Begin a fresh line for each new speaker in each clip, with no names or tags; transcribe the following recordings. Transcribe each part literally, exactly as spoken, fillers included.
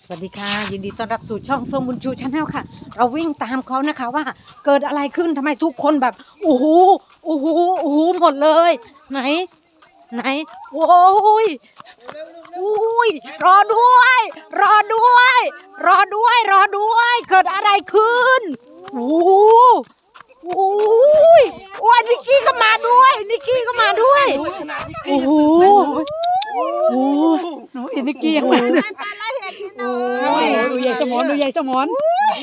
สวัสดีค่ะยินดีต้อนรับสู่ช่องเฟิร์มบุญชูชาแนลค่ะเราวิ่งตามเขานะคะว่าเกิดอะไรขึ้นทำไมทุกคนแบบโอ้โหโอ้โหโอ้โหหมดเลยไหนไหนโอ้ยโอ้ยรอด้วย รอด้วย รอด้วย รอด้วย เกิดอะไรขึ้นโอ้โหโอ้ยโอ้ยนิกกี้ก็มาด้วยนิกกี้ก็มาด้วยโอ้โหโอ้โหหนูเห็นนิกกี้ยังไงโอ้ยดูใหญ่สมอนดูใหญ่สมอน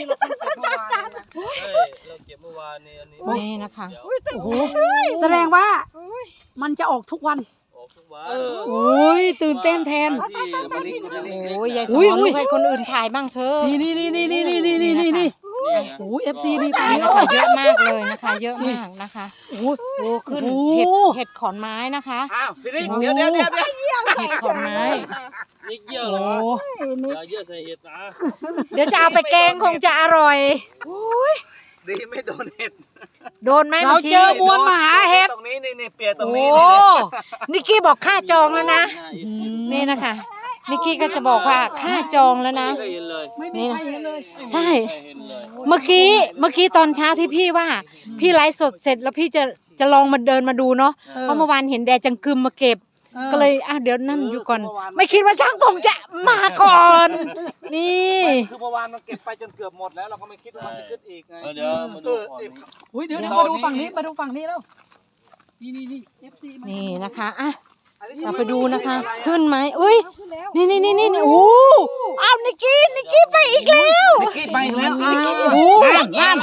เราเก็บเมื่อวานนี้อันนี้
นี่นะคะโอ้โห
แสดงว่ามันจะออกทุกวัน
ออกทุกวัน
โอ้ยตื่นเต้นแทน
ที่มันลิงก์ลิงก์
โอ้ยใหญ่สมอนให้คนอื่นถ่ายบ้างเถอะ
นี่นี่นี่นี่นี่นี่นี่นี่นี่นี่โอ้ยเอฟซีนี่ตาย
นี่
แล้ว
ค่ะเยอะมากเลยนะคะ เยอะมากนะคะ
โอ้ย
โอ้ขึ้น
โอ้
เห็ดเห็ดขอนไม้นะคะ
อ้าวพี่นิกเดี๋ยวเดี๋ยวเดี๋ยวเดี๋ยว
เห็ดขอนไม้
นิกเยี่ยวเหรออย่าเยี่ยวใส่เห็ดนะ
เดี๋ยวจะเอาไปแกงคงจะอร่อย
ดีไม่โดนเห็ด
โดนไหม
เรา
มื่กี้
เจอมวลมหาเห็ด
ตรงนี้นี่นี่เปียตรง
โอ้
นี้
นิกกี้บอกค่าจองแล้วนะนี่นะคะนิกกี้ก็จะบอกว่าค่าจองแล้วนะ
ไม่เห็นเลย
ไม่มีใครเห็นเลย
ใช่
ไม่เห็นเลย
เมื่อกี้เมื่อกี้ตอนเช้าที่พี่ว่า พี่ไลฟ์สดเสร็จแล้วพี่จะจะลองมาเดินมาดูเนาะเพราะเมื่อวานเห็นแดดจังกึมมาเก็บ ก็เลยอ่ะเดี๋ยวนั่นอยู่ก่อน ไม่คิดว่าช่างผมจะมาก่อน นี่
คือเมื่อวานมันเก็บไปจนเกือบหมดแล้วเราก็ไม่คิดว่ามันจะขึ้นอีกไง
เดี๋ยวมาดูก่อน
อุ้ยเดี๋ยวเดี๋ยวมาดูฝั่งนี้มาดูฝั่งนี้แล้วนี่นี่นี่เอฟซีมา
นี่นะคะอ่ะเราไปดูนะคะ ขึ้นไหมอุ้ยนี่นี่นี่นี่โอ้อ้าวนิกกี้นิกกี้ไปอีกแล้ว
นิกกี้ไปอีกแล้ว
นิกกี้โอ้งาน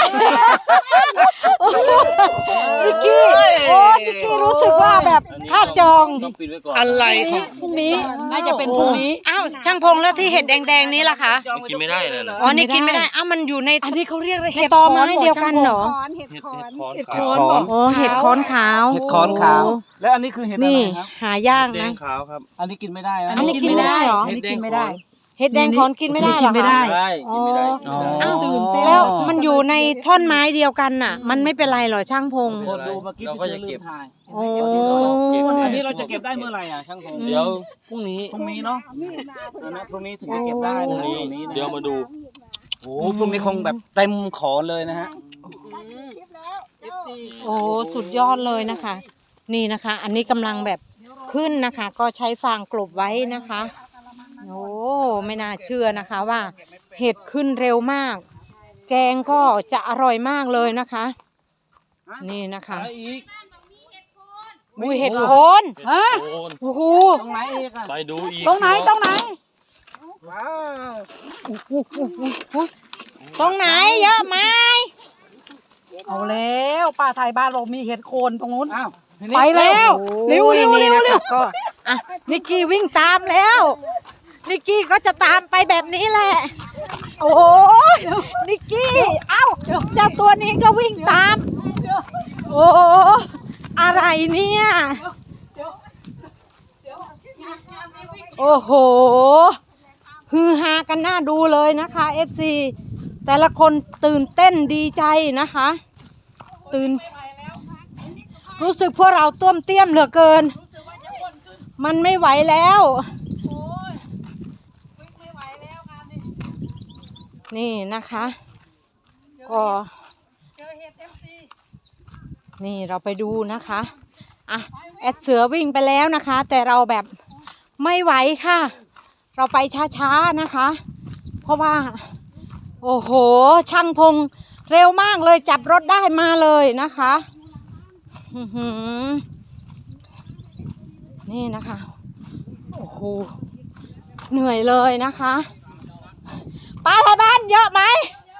นิกกี้โอ้นิกกี้รู้สึกว่าแบบค่าจอง
ต้องปิดไว้ก่อน
อะไรของ
พรุ่งนี้น่าจะเป็นพรุ่งนี้
อ้าวช่างพงแล้วที่เห็ดแดงๆนี้ล่ะคะ
มันกินไม่ได้เลยเหรอ
อ๋อนี่กินไม่ได้อ้าวมันอยู่ใน
อันนี้เขาเรียกอะไร
ในตอไม้เดียวกันเหรอ
เห็ดเห็ดคอน
เห็ด
ขา
โค
วน
บอก
โอ้เห็ดค้อนขาว
เห็ดขอนขาว แล้วอันนี้คือเห็ดอะไร
นี่
ครับ
หายาก
แด
นะ
งขาวครับ
อันนี้กินไม่ได้นะ
อันนี้กินไม่ได้เหรอ
อันนี้กินไม่ได้
เห็ดแดงขอนกินไม่ได้เหรอ
กินไม่ได้
คะ
ได้กินไม่ได้
อ๋อ
อ้าว
ตื่นเต้น
แล้วมันอยู่ในท่อนไม้เดียวกันน่ะ มันไม่เป็นไรเหรอช่างพง
คนดูเมื่อกี้
เรา
พี่
ก็
เสื
จะ
อลื
เก็บ
มถ่าย
โอ้
อันนี้เราจะเก็บได้เมื่อไหร่อ่ะช่างผม
เดี๋ยวพรุ่งนี้
พรุ่งนี้เนาะอันนั้นพรุ่งนี้ถึงจะเก็บได้
พรุ่
นะ
งนี้
ตรงนี้นะ
เดี๋ยวมาดู
โอ้โหพรุ่งนี้คงแบบเต็มขอเลยนะฮะ
โอ้สุดยอดเลยนะคะ นี่นะคะ อันนี้กำลังแบบขึ้นนะคะ ก็ใช้ฟางกลบไว้นะคะโอ้ไม่น่าเชื่อนะคะว่า เห็ดขึ้นเร็วมาก แกงก็จะอร่อยมากเลยนะคะ นี่นะคะ
ไปอีก
อุ้ยเห็ดโคน
ฮะ
โอน
โอ้โห
ตรงไหนอีกอ่ะ
ไปดูอีก
ตรงไหนตรงไหน
ว้าว
ตรงไหนเยอะไหม
เอาแล้วป้าไทยบ้านเรามีเห็ดโคนตรงนู้น
อ้าวพี่นิก
ไปแล้วเร็ว
โอ้ย
เร็ว
นี่
เร็ว
นะ
เร็
คะ
ว
ก็อ่ะนิกกี้วิ่งตามแล้วนิกกี้ก็จะตามไปแบบนี้แหละ โอ้ยนิกกี้เอ้าเจ้าตัวนี้ก็วิ่งตาม โอ้อะไรเนี่ยโอ้โหฮือฮากันน่าดูเลยนะคะ เอฟ ซี แต่ละคนตื่นเต้นดีใจนะคะ ตื่นรู้สึกพวกเราต้วมเตี้ยมเหลือเกิน มันไม่ไหวแล้ว นี่นะคะก็นี่เราไปดูนะคะอ่ะแอดเสือวิ่งไปแล้วนะคะ แต่เราแบบไม่ไหวค่ะ เราไปช้าๆนะคะ เพราะว่า โอ้โหช่างพงเร็วมากเลยจับรถได้มาเลยนะคะอื้อหือนี่นะคะ โอ้โหเหนื่อยเลยนะคะปลาไทยบ้านเยอะไหม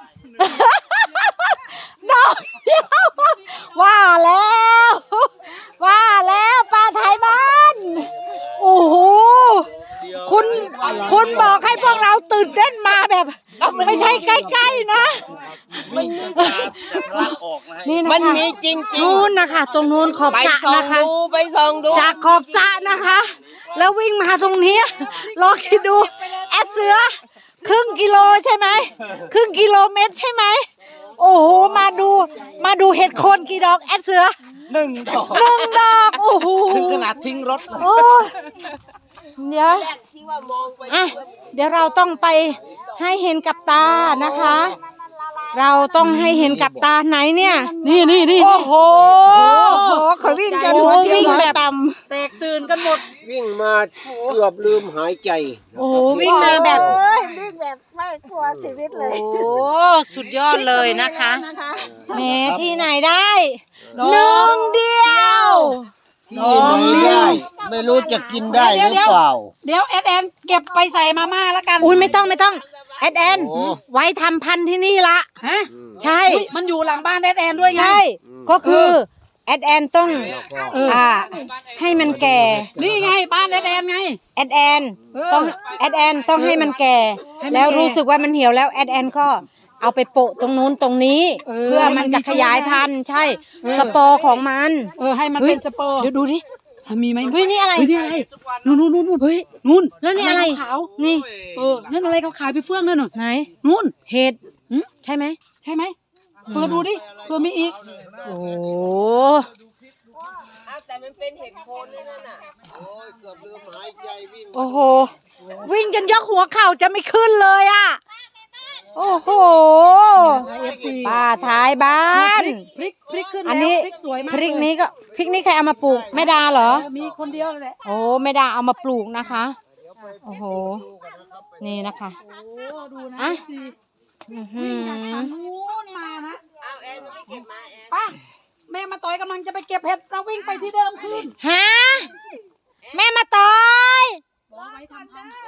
ดอกเดียวว่าแล้ว ว่าแล้วปลาไทยบ้านโอ้โหคุณคุณบอกให้พวกเราตื่นเต้นมาแบบ ไม่ใช่ใกล้ๆนะ
วิ่งจนตาจะทะลักออกนะฮะ
นี่นะคะ
มันมีจริงๆ
นู่นนะคะ ตรงนู้นขอบ
ไป
สระ
ส่อง
นะคะ
ดูไปส่องดู
จากขอบสระนะคะ แล้ววิ่งมาตรงนี้ลองคิดดูแอดเสือครึ่งกิโลใช่ไหมครึ่งกิโลเมตรใช่ไหมโอ้โหมาดูมาดูเห็ดโคนกี่ดอกแอดเสือ
หนึ่งดอก
หนึ่งดอกโอ้โห
ถึงขนาดทิ้งรถเลย
โอ้ยเดี๋ยวอ่ะเดี๋ยวเราต้องไปให้เห็นกับตานะคะ เราต้องให้เห็นกับตาไหนเนี่ย
นี่นี่นี่
โอ้โห
เขาวิ่งกัน
โอ้
หัวเจียว
วิ่ง
หัว
แบบ
ต่ำแตกตื่นกันหมด
วิ่งมาเกือบลืมหายใจ
โอ้โหวิ่งมาแบบ
โอ้ยวิ่งแบบไม่กลัวชีวิตเลย
โอ้สุดยอดเลยนะคะ
นะคะ
แหมที่ไหนได้หนึ่งเดียว
ที่ไหนได้ไม่รู้จะกินได้หรือเปล่า
เดี๋ยวแอดแอนเก็บไปใส่มาม่าแล้วกัน
อุ้ยไม่ต้องไม่ต้องแอดแอน
โอ้
ไว้ทำพันธุ์ที่นี่ละ
ฮะ
ใช่
อุ๊ยมันอยู่หลังบ้านแอดแอนด้วยไง
ใช่ก็คือแอดแอนต้อง
เออ
อ่าให้มันแก่
นี่ไงบ้านแอดแอนไง
แอดแอน
เออ
ต้องแอดแอนต้องให้มันแก่
ให้มัน
แล้ว
แก่
รู้สึกว่ามันเหี่ยวแล้วแอดแอนก็เอาไปโปะตรงนู้นตรงนี้
เออ
เพื่อมันจะขยายพันธุ์ใช่
เออ
สปอร์ของมัน
เออให้มัน
เฮ้ย
เป็นสเปอร์
เดี๋ยวดูดิ
อ่ะมีไหม
เฮ้ยนี่อะไร
เฮ้ยนี่อะไรนู่นนู่นนู่นนู่นเฮ้ยนู่น
แล้วนี่อะไร
ขาว
นี่
ๆเออนั่นอะไรขาวๆไปเฟื่องนั่นน่ะ
ไหน
นู่น
เห็ด
หืม
ใช่ไหม
ใช่ไหมเปิดดูดิเผื่อมีอีก
โอ้
แต่มันเป็นเห็ดโคนเลยนั่นน่ะ
โอ้ยเกือบลืมหายใจวิ่ง
โอ้โห วิ่งจนยกหัวเข่าจะไม่ขึ้นเลยอ่ะ โอ้โห
เอฟซี
ป้าท้ายบ้าน
พริกพริกขึ้น
อัน
แล้ว
นี้
พริกสวยมาก
พริก
เลย
นี้ก็พริกนี้ใครเอามาปลูกแม่ดาเหรอ
เออมีคนเดียวเลยแหละ
โอ้แม่ดาเอามาปลูกนะคะ โอ้โห นี่นะคะ
โอ้ดูนะ
อ่ะ
เอฟซี
อื้อหื
วิ่งจาก
อ
ทางนู้นมานะ
เอาแอนมาเก็บมาแอน
ป้าแม่มาต่อยกำลังจะไปเก็บเห็ดเราวิ่งไปที่เดิมคืน
ฮะแม่มาต่อย
บอกไว้ทำพันธุ์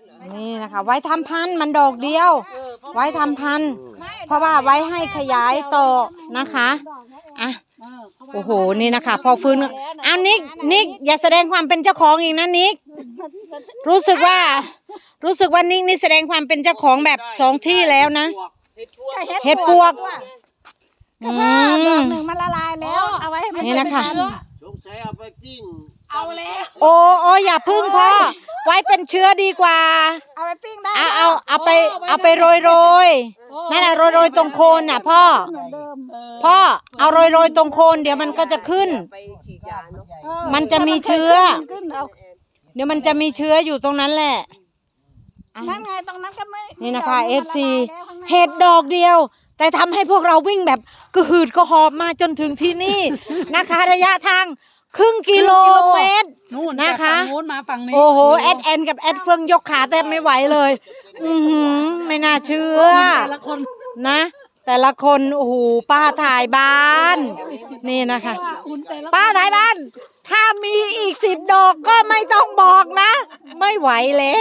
นี่นะคะ ไว้ทำพันธุ์มันดอกเดียว ไว้ทำพันธุ์เพราะว่าไว้ให้ขยายต่อนะคะอ่ะ
เออเพราะว่า
โอ้โหนี่นะคะ พอฟื้นอ้าวนิกนิกอย่าแสดงความเป็นเจ้าของอีกนะนิกรู้สึกว่า รู้สึกว่านิกนี่แสดงความเป็นเจ้าของแบบสองที่แล้วนะ เห็ดปวก
ก็
อื
เพิ่มดอ
ม
กหนึ่งมันละลายแล้ว เอาไว้ให้มัน
นี่นะคะ
เป็พัธุ์
สงสัยเอาไปปิ้ง
เอาแล้ว
โอ้โอ้อย่าพึ่งพ่อไว้เป็นเชื้อดีกว่า
เอาไปปิ้งได้
เอาเอาเอาไปเอาไปโรยโรยนั่นแหละโรยโรยตรงโคนน่ะพ่อ
เหมือนเดิม
พ่อเอาโรยโรยตรงโคนเดี๋ยวมันก็จะขึ้น
เออ
มันจะมีเชื้อ
มันขึ้นเอา
เดี๋ยวมันจะมีเชื้ออยู่ตรงนั้นแหละอ่ะ
นั่นไงตรงนั้นก็ไม่
นี่นะคะ
ดก
เอ
มั
ฟ
ละ
ซี
ลายแล้วข้างใน
เห็ดดอกเดียว แต่ทำให้พวกเราวิ่งแบบกระหืดกระหอบมาจนถึงที่นี่ นะคะ ระยะทางครึ่งกิโลเมตร
นู่น
นะ
จาก
คะ
ฝั่งนู้นมาฝั่งนี้
โอ้โหแอดแอนกับแอดเฟืองยกขาแทบไม่ไหวเลย อือหือไม่น่าเชื่อ
แต่ละคน
นะ แต่ละคนโอ้โหป้าถ่ายบ้าน นี่นะคะ
ว่าอุ่นแต่ละ
ป้าถ่ายบ้าน ถ้ามีอีกสิบดอกก็ไม่ต้องบอกนะ ไม่ไหวแล้ว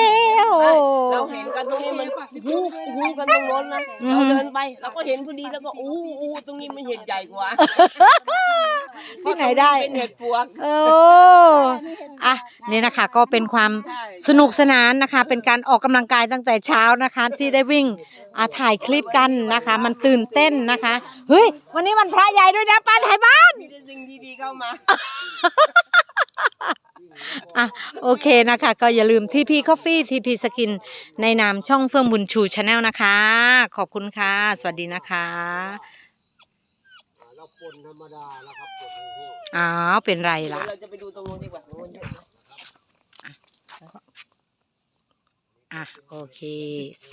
เราเห็นกันตรงนี้มันหูหูกันตรงโน้นนะ
อืม
เราเดินไปเราก็เห็นพอดีแล้วก็อู้อู้ตรงนี้มันเห็ดใหญ่กว่า
ที่ไหนได้
เป็นเห็ดปวก
เอออ่ะนี่นะคะก็เป็นความสนุกสนานนะคะ เป็นการออกกำลังกายตั้งแต่เช้านะคะ ที่ได้วิ่งอ่ะถ่ายคลิปกันนะคะ มันตื่นเต้นนะคะ เฮ้ย วันนี้วันพระใหญ่ด้วยนะป้าถ่ายบ้าน
มีแต่สิ่งดีๆเข้ามา
อ่ะโอเคนะคะ ก็อย่าลืมทีพีคอฟฟี่ทีพีสกินในนามช่องเฟื่องบุญชูชาแนลนะคะ ขอบคุณค่ะ สวัสดีนะคะ
เราปนธรรมดาแล้วครับปนเที่ยว
อ้าวเป็นไรล่ะ
เราจะไปดูตรงโน้นดีกว่าตรงโน้นเยอะ
อ่ะโอเค